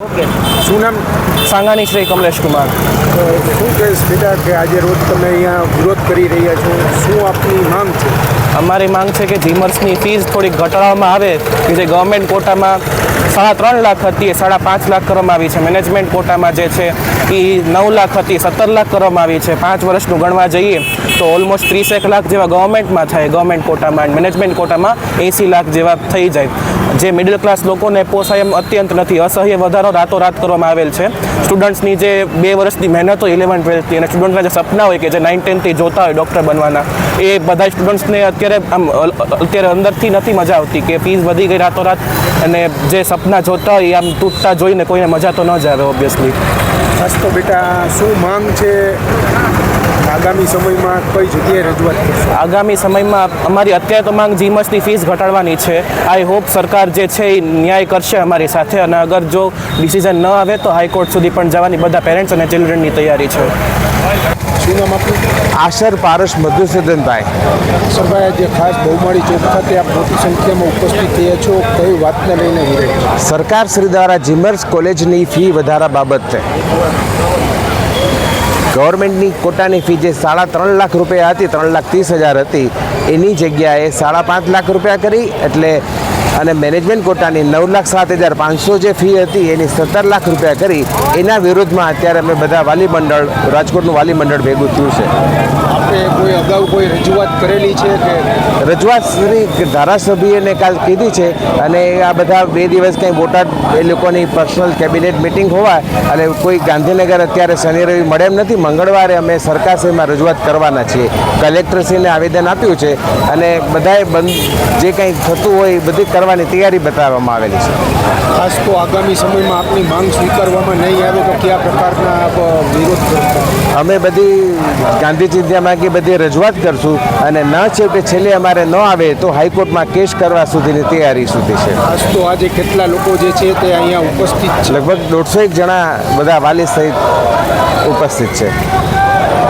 Okay, શું નામ? સાંગાણી શ્રી કમલેશ કુમાર. શું કહીશ બેટા કે આજે રોજ તમે અહીંયા વિરોધ કરી રહ્યા છો, શું આપની માંગ છે? અમારી માંગ છે કે જીમર્સની ફીસ થોડીક ઘટાડવામાં આવે, કે જે ગવર્મેન્ટ કોટામાં 3.5 લાખ હતી એ 5.5 લાખ કરવામાં આવી છે. મેનેજમેન્ટ કોટામાં જે છે એ 9 લાખ હતી 17 લાખ કરવામાં આવી છે. 5 વર્ષનું ગણવા જઈએ તો ઓલમોસ્ટ 30 લાખ જેવા ગવર્મેન્ટમાં થાય, ગવર્મેન્ટ કોટામાં. મેનેજમેન્ટ કોટામાં 80 લાખ જેવા થઈ જાય. જે મિડલ ક્લાસ લોકોને પોસાય એમ અત્યંત નથી. અસહ્ય વધારો રાતોરાત કરવામાં આવેલ છે. સ્ટુડન્ટ્સની જે 2 વર્ષની મહેનત હોય 11th 12thની, અને સ્ટુડન્ટના જે સપના હોય કે જે 9th 10thથી જોતા હોય ડૉક્ટર બનવાના, એ બધા સ્ટુડન્ટ્સને અત્યારે અંદરથી નથી મજા આવતી કે ફીસ વધી ગઈ રાતોરાત, અને જે સપના જોતા હોય એ આમ તૂટતા જોઈને કોઈને મજા તો ન જ આવે ઓબ્વિયસલી. ખાસ તો બેટા શું માંગ છે? આગામી સમયમાં કઈ જગ્યાએ રજૂઆત કરશો? આગામી સમયમાં અમારી અત્યારે તો માંગ જીમર્સની ફીસ ઘટાડવાની છે. આઈ હોપ સરકાર જે છે એ ન્યાય કરશે અમારી સાથે, અને અગર જો ડિસિઝન ન આવે તો હાઈકોર્ટ સુધી પણ જવાની બધા પેરેન્ટ્સ અને ચિલ્ડ્રનની તૈયારી છે. શું નામ આપનું? આશર પારસ મધુસૂદનભાઈ. સરભાઈ, આજે ખાસ બહુમાળી ચોક ખાતે આપ મોટી સંખ્યામાં ઉપસ્થિત થયા છો, કઈ વાતને લઈને વિરોધ? સરકાર શ્રી દ્વારા જીમર્સ કોલેજની ફી વધારા બાબતે ગવર્મેન્ટની કોટાની ફી જે 3.5 લાખ રૂપિયા હતી, 3,30,000 હતી, એની જગ્યાએ 5.5 લાખ રૂપિયા કરી, એટલે અને મેનેજમેન્ટ કોટાની 9,07,500 જે ફી હતી એની 17 લાખ રૂપિયા કરી. એના વિરોધમાં અત્યારે અમે બધા વાલી મંડળ, રાજકોટનું વાલી મંડળ ભેગું થયું છે. આપણે કોઈ અગાઉ કોઈ રજૂઆત કરેલી છે કે? રજૂઆત શ્રી ધારાસભ્યને કાલ કીધી છે, અને આ બધા 2 દિવસ કંઈ બોટાદ એ લોકોની પર્સનલ કેબિનેટ મિટિંગ હોવા, અને કોઈ ગાંધીનગર અત્યારે શનિ રવિ મળે એમ નથી. મંગળવારે અમે સરકારશ્રીમાં રજૂઆત કરવાના છીએ. કલેક્ટરશ્રીને આવેદન આપ્યું છે, અને બધાએ જે કંઈ થતું હોય એ બધી કરવાની તૈયારી બતાવવામાં આવેલી છે. ખાસ તો આગામી સમયમાં આપની માંગ સ્વીકારવામાં નહીં આવે તો કયા પ્રકારના આપ વિરોધ કરશો? અમે બધી ગાંધી ચિંધ્યામાં કે બધી રજૂઆત કરશું, અને ન છેવટે છેલ્લે અમારે ન આવે તો હાઈકોર્ટમાં કેસ કરવા સુધીની તૈયારી સુધી છે. ખાસ તો આજે કેટલા લોકો જે છે તે અહીંયા ઉપસ્થિત છે? લગભગ 150 જણા બધા વાલી સહિત ઉપસ્થિત છે.